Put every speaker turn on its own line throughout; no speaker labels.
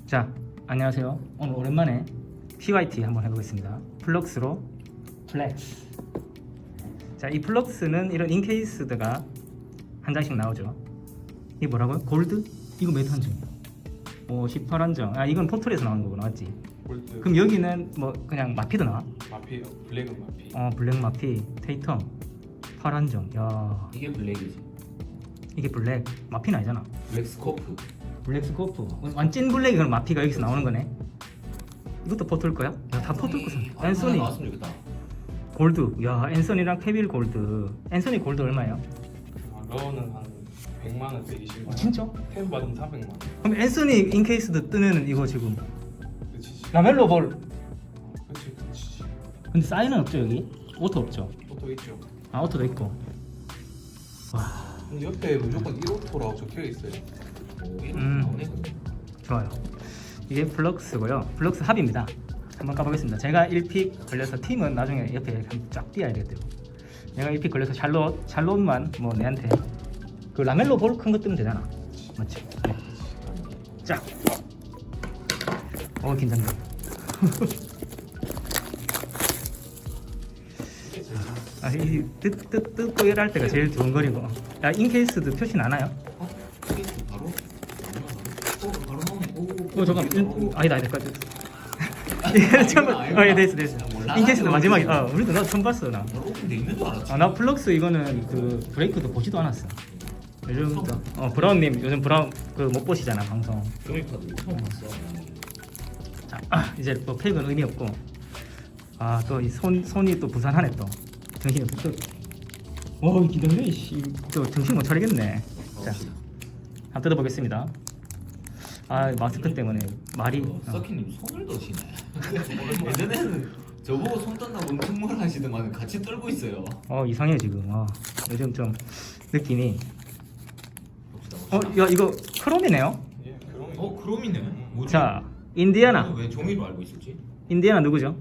자, 안녕하세요. 오늘 오랜만에 PYT 한번 해보겠습니다. 플럭스로 플렉스. 자, 이 플럭스는 이런 인케이스드가 한 장씩 나오죠. 이게 뭐라고요? 골드? 이거 몇 한정이야? 18한정. 아, 이건 포털에서 나오는 거구나, 맞지?
골드.
그럼 여기는 뭐 그냥 마피도 나와?
마피, 블랙은 마피.
블랙 마피, 테이텀 8한정. 야,
이게 블랙이지.
이게 블랙. 마피는 아니잖아.
블랙 스코프.
블랙 스코프. 완찐 블랙이 그럼 마피가 여기서 나오는 거네. 이것도 포털 거야? 야, 다 포털 거잖아. 앤서니
나왔으면 좋겠다.
골드. 야, 앤서니랑 케빌 골드. 앤서니 골드 얼마예요?
러는 한 100만 원, 120만 원.
진짜?
템 받으면 400만 원.
그럼 앤서니 인케이스드 뜨면은 이거 지금
그치.
라멜로 볼.
그치.
근데 사인은 없죠 여기? 오토 없죠?
오토 있죠.
아, 오토도 있고. 와,
근데 옆에 무조건 1오토라고 적혀 있어요.
오, 이런
음.
나오네 근데.
좋아요. 이게 플럭스고요. 플럭스 합입니다. 한번 까보겠습니다. 제가 1픽 걸려서 팀은 나중에 옆에 한번 쫙 띄어야 되거든요. 내가 1픽 걸려서 샬롯만 뭐 내한테 그 라멜로 볼 큰 거 뜨면 되잖아. 맞지? 네. 자. 긴장돼. 아, 이 뜯고 일할 때가 제일 좋은 거리고. 야, 인케이스드 표시 나나요?
케이스 바로? 바로 나오네.
잠깐. 아니다. 처음. 예, 됐어. 인케이스드 마지막에. 우리도 나 처음 봤어 나.
바로 오픈돼 있는 줄 알았지.
나 플럭스 이거는 그 브레이크도 보지도 않았어. 요즘부터 브라운님 요즘 브라운 그 못 보시잖아 방송.
조이카드 처음 봤어.
자, 이제 또 팩은 의미 없고. 또 이 손이 또 부산하네 또. 정신이 또. 기다려 씨. 또 정신 못 차리겠네. 자, 한번 뜯어보겠습니다. 마스크 때문에 말이.
서키님 손을 더시네. 예전에는 저보고 손 떤다고 엄청 뭘 하시더만 같이 떨고 있어요.
이상해 지금. 요즘 좀 느낌이.
봅시다.
야, 이거 크롬이네요.
예, 그런
크롬이네. 뭐지?
자, 인디아나.
왜 종이로 알고 있었지?
인디아나 누구죠?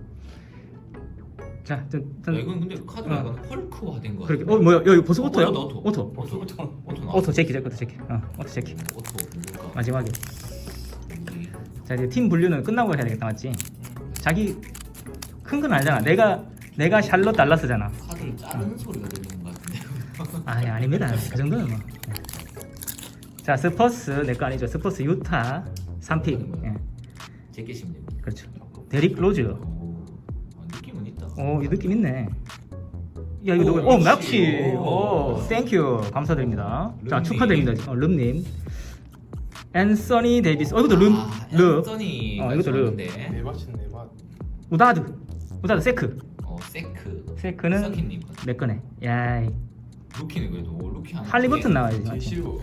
자,
야, 이건 근데 카드가 약간 헐크화된 거.
그렇게. 뭐야? 야, 이거 벌써 오토야?
맞아, 오토.
오토.
오토
오토 체키. 오토 체키.
오토 뭘까?
마지막에. 자, 이제 팀 분류는 끝나고 해야 되겠다, 맞지? 자기 큰 건 알잖아. 내가 샬롯 달라스잖아.
카드를 자르는 소리가 들리는 것 같은데.
아닙니다. 그 정도는 뭐. 자, 스퍼스 내 거 아니죠? 스퍼스 유타 3픽. 예,
제끼시면 됩니다.
그렇죠. 데릭 로즈.
느낌은 있다.
이 느낌 있네. 야, 이거 누구야? 맥시. 땡큐. 감사드립니다. 자,
름님.
축하드립니다. 름님. 앤서니 데이비스. 이것도 름.
앤서니.
이것도 름.
네밭이네, 네밭.
우다드 세크. 세크는
서키님.
내 거네. 야이.
루키는 그래도 루키 하나.
할리버튼 나와야지.
제시로.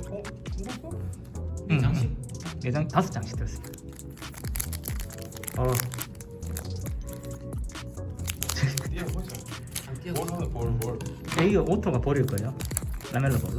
응.
장식.
5장씩 들었습니다.
뛰어보자.
함께
뭘 하면 뭘.
이거 오토가 버릴 거예요. 라멜로 볼로.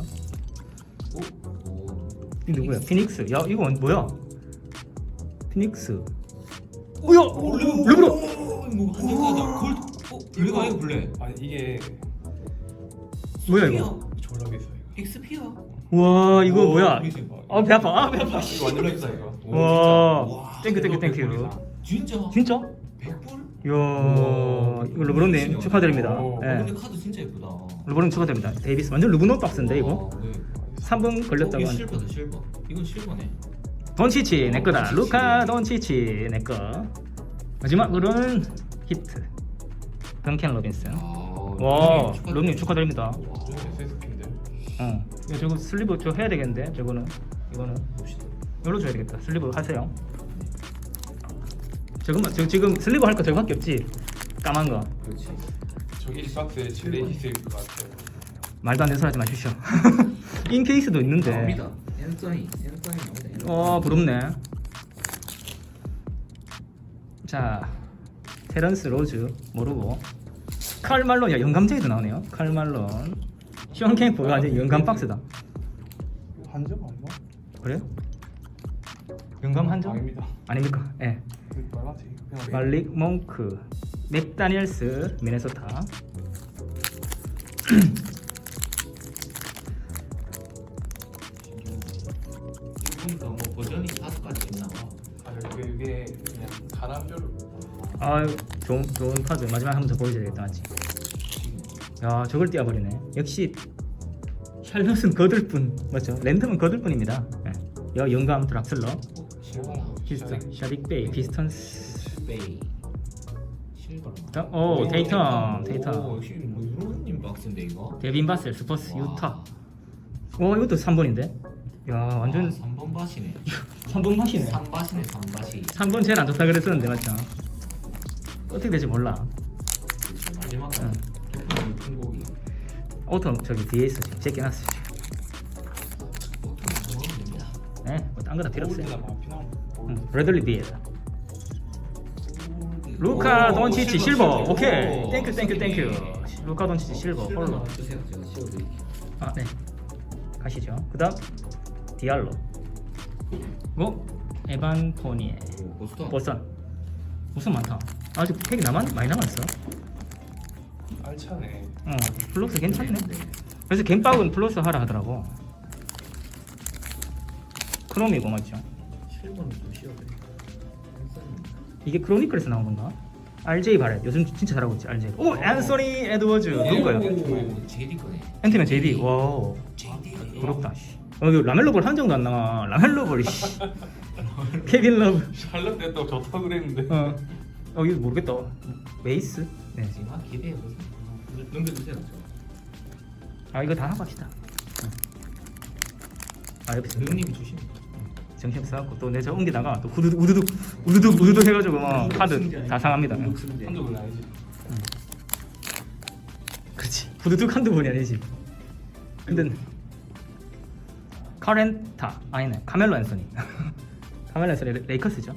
오.
이 누구야? 피닉스. 야, 이거 뭐야? 피닉스. 오야! 르브로.
뭐 한정가다. 골드. 블랙 아니고 블랙.
아니 이게
뭐야 이거?
졸라 비싸 이거.
익스피어.
와, 이거 뭐야? 배 아파.
이거 완전 비싸 이거.
와. 땡큐.
진짜?
진짜?
100불?
이야, 이거 르브론님 축하드립니다.
오.
예.
근데 카드 진짜 예쁘다.
르브론 축하드립니다. 데이비스 완전 르브론 박스인데 이거.
네.
3분 걸렸다고
이거
하네.
실버다 실버. 이건 실버네.
돈치치 내 거다.
돈치치.
루카 돈치치 내 거. 마지막으로는 히트. 던켄 로빈슨. 와, 럼님 축하드립니다.
SSP인데.
이거 저거 슬리브 저 해야 되겠는데 이거는
봅시다.
이걸로 줘야 되겠다. 슬리브 하세요. 저 지금 슬리브 할 거 저거밖에 없지. 까만 거.
그렇지.
저기 이 박스에 7대 있을 것 같아요.
말도 안 되는 소리 하지 마십시오. 인케이스도 있는데.
나옵니다. 앤서니 나옵니다.
부럽네. 자, 테런스 로즈 모르고. 칼 말론. 야, 영감제이도 나오네요. 칼 말론. 시원 캠프가 완전 영감 박스다.
한점 아닌가?
그래요? 영감 한정?
아닙니다.
아닙니까? 예.
빨간색. 그냥
말릭 몽크, 맥다니엘스 미네소타.
이거 보니까 뭐 버전이 5가지 있나 봐.
이게 그냥 가람별로.
아유 좋은 카드. 마지막 한 번 더 보여줘야 되겠다 맞지? 야 저걸 띄워버리네. 역시 샬럿은 거들 뿐 맞죠? 랜덤은 거들 뿐입니다. 네. 영감 드락슬러 비스턴 샤릭베이 비스턴스
베이 실버.
오 테이텀
역시 뭐 유로님 박스인데 이거.
데빈 바셀 스퍼스
와.
유타. 오 이것도 3번인데? 야 완전
3번 밭이네.
3번 맛이네.
3밭이네 3밭이.
3번 제일 안 좋다 그랬었는데 맞죠? 어떻게 될지 몰라.
마지막
응.
큰 고기.
오토 저기 뒤에 있어 지금 제껴놨어 지금. 네, 뭐딴 거 다 필요 없어요.
골드나 마피나.
브래들리 비엘. 루카 돈치치 실버. 오케이.
오,
땡큐. 루카 돈치치 실버 홀로.
주세요. 제가 씌워드릴게요.
아 네. 가시죠. 그다음 디알로. 뭐 에반 포니에.
보스턴.
보선. 무슨 많다. 아직 팩이 많이 남았어.
알차네.
플러스 괜찮네. 그래서 갬박은 플러스 하라 하더라고. 크롬이고 맞죠?
실버는 좀 씌워드릴게요.
이게 크로니클에서 나온 건가? RJ 바렛 요즘 진짜 잘하고 있지 RJ. 오 앤서니 에드워즈 누구예요?
JD 거네.
앤티맨 JD. 와우
JD.
부럽다. 씨. 이거 라멜로볼 한 정도 안 나와. 라멜로볼. 씨. 케빈 러브.
샬럿 때또 좋다 그랬는데.
이거 모르겠다. 메이스. 네.
지금 기대해 보세요. 넘겨주세요.
아 이거 다 하고 합시다. 아 옆에
형님이 주시면.
정신 없어갖고 또 내저 옮기다가 또 우두둑 해가지고 막 카드 다 상합니다.
한두 분 아니지.
그렇지. 우두둑 한두 번이 아니지. 근데 카렌타 아니네. 카멜로 앤서니. 카멜로 앤서니 레이커스죠.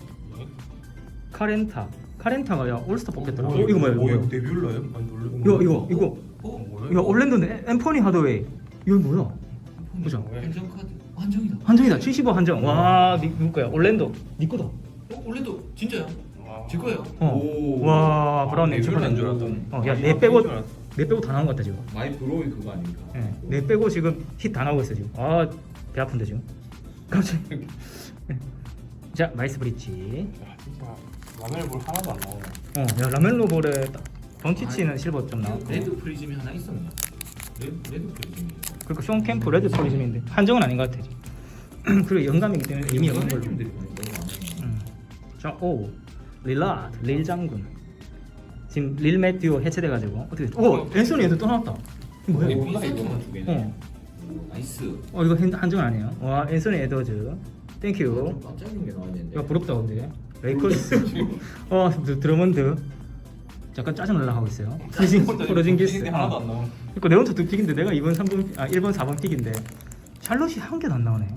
카렌타가 야 올스타 뽑겠더라. 이거 뭐야?
데뷔올라요?
이거
뭐야?
이거 올랜도는 엠포니 하더웨이. 이거 뭐야? 보자.
한정 카드. 한정이다.
한정이다. 75 한정. 와 누구 거야? 올랜도. 니 거다.
원래도 진짜요? 제 거예요.
와 브라운님
데뷔올라인 줄 알았더니.
야내 빼고 다 나온 것 같다 지금.
마이 브로이 그거 아닙니까?
예, 내 빼고 지금 힛 다 나오고 있어 지금. 배 아픈데 지금. 갑자기. 자 마이스 브릿지.
야 진짜 라멜볼 하나도 안 나오네.
야 라멜로 볼에 던치치는 실버 좀 나왔고.
레드 프리즘이 하나 있었네. 레드 프리즘이.
그리고 쇼 캠프 레드 프리즘인데 한정은 아닌 것 같아 지금. 그리고 영감이기 때문에 이미 영감 걸로.
프리즘들이 너무 많네.
자, 릴라드, 릴 장군. 지금 릴 매튜 해체돼가지고 어떻게? 앤서니 애들 또 나왔다. 이거 뭐야?
오, 세트만 두 개네. 나이스.
이거 한정 아니에요? 와, 앤서니 에드워즈. 땡큐.
좀 깜짝 놀란 게 나왔는데.
야 부럽다 근데. 레이커스. 드러먼드. 잠깐 짜증 날라 하고 있어요. 포르징기스.
하나도 안 나오네.
그러니까 네온토 두 픽인데 내가 2번 3번 1번 4번 픽인데 샬롯이 한 개도 안 나오네.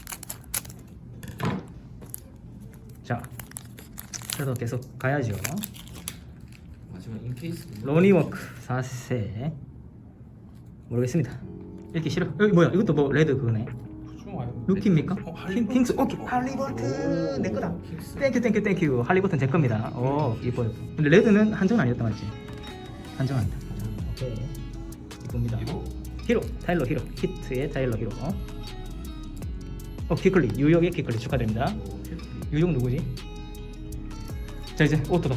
자, 그래도 계속 가야죠.
마지막 인케이스.
로니워크 4세 모르겠습니다. 읽기 싫어. 여기 뭐야? 이것도 뭐 레드 그거네. 루키입니까? 킹스. 오케이. 할리버튼 내 거다. 땡큐. 할리버튼 제 겁니다. 이뻐요. 근데 레드는 한정 아니었다 맞지? 한정 아니다. 오케이. 이쁩니다. 히로. 타일러 히로. 히트의 타일러 히로. 키클리. 뉴욕의 키클리 축하드립니다. 뉴욕 누구지? 자 이제 오토다.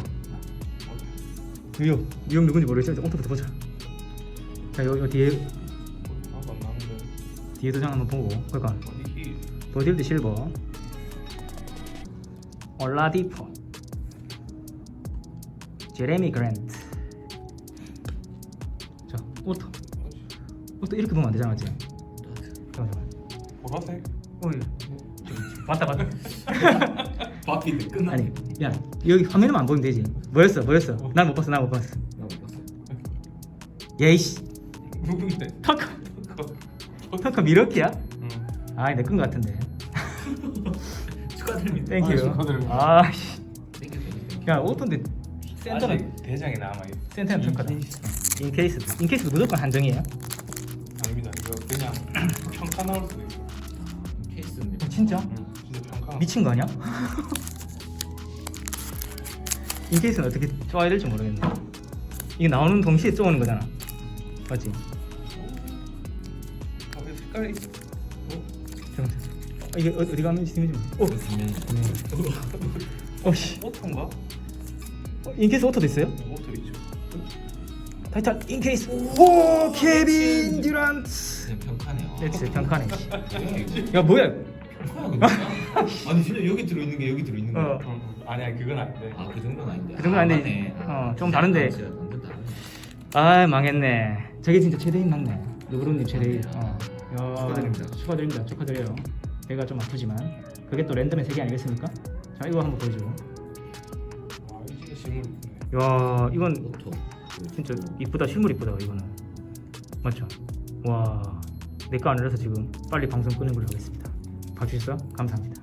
뉴욕 누군지 모르겠어. 이제 오토부터 보자. 자 요 뒤에
하나도 안 나오는데.
뒤에 도장 한번 보고. 그러니까
어디?
버딜드 실버, 올라디포, 제레미 그랜트. 자 오토 이렇게 보면 안 되잖아 맞지? 잠깐만.
보라색?
맞다.
바퀴들 끝나.
아니 야 여기 화면에만 안 보면 되지. 뭐였어? 난 못 봤어.
나못 봤어.
예이씨.
누군데?
터커 미러키야?
응.
내 건 같은데.
축하드립니다.
땡큐.
축하드립니다.
아씨. 야 오토인데 센터는
아직 대장이 남아있어.
센터는 터커다. 인케이스 무조건 한정이에요?
아닙니다. 이거 그냥 평가 나올 수도 있어.
인케이스는
진짜?
응. 진짜 평가.
미친 거 아니야? 인케이스는 어떻게 쪼아야 될지 모르겠네. 이게 나오는 동시에 쪼는 거잖아. 맞지?
색깔이 있어.
잠깐만. 이게 어디 가면 시스템이 좀.
그러면
어씨.
오토인가?
인케이스 오토도 있어요?
오토 있죠.
타이탄 인케이스. 오 케빈 듀란트.
그냥 평가네요.
네, 진짜 평가네.
네.
야 뭐야?
평가야 그냥. 아니 진짜 여기 들어있는 게 여기 들어있는 거야.
아니야 그건 아닌데.
아 그 정도는 아닌데.
그 정도는 아닌데,
맞네.
좀 다른데.
진짜 완전 다르네.
아 망했네. 저게 진짜 최대인 맞네. 누구로님 최대인. 야,
축하드립니다.
축하드립니다. 축하드려요. 배가 좀 아프지만 그게 또 랜덤의 세계 아니겠습니까? 자 이거 한번 보여주고.
와 이거 진짜 실물 있네.
야 이건
오토.
진짜 이쁘다. 실물 이쁘다 이거는. 맞죠? 와 내 거 안 이라서 지금 빨리 방송 끄는 걸로 하겠습니다. 봐주셨어? 감사합니다.